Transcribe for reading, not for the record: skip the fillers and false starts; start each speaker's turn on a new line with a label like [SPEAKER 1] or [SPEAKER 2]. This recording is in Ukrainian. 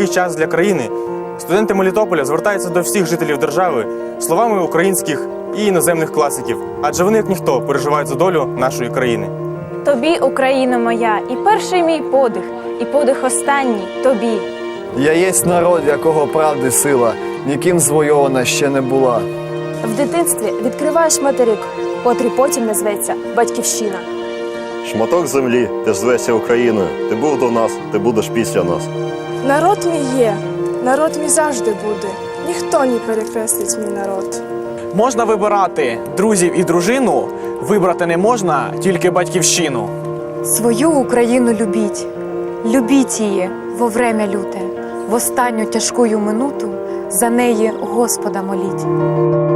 [SPEAKER 1] важкий час для країни, студенти Мелітополя звертаються до всіх жителів держави словами українських і іноземних класиків, адже вони, як ніхто, переживають за долю нашої країни.
[SPEAKER 2] Тобі, Україно моя, і перший мій подих, і подих останній тобі.
[SPEAKER 3] Я єсть народ, якого правди сила, ніким звойована ще не була.
[SPEAKER 4] В дитинстві відкриваєш материк, котрий потім назветься Батьківщина.
[SPEAKER 5] Шматок землі, ти ж звешся Україною. Ти був до нас, ти будеш після нас.
[SPEAKER 6] Народ мій є, народ мій завжди буде. Ніхто не перекреслить мій народ.
[SPEAKER 7] Можна вибирати друзів і дружину, вибрати не можна тільки батьківщину.
[SPEAKER 8] Свою Україну любіть, любіть її во время люте, в останню тяжкую минуту за неї Господа моліть.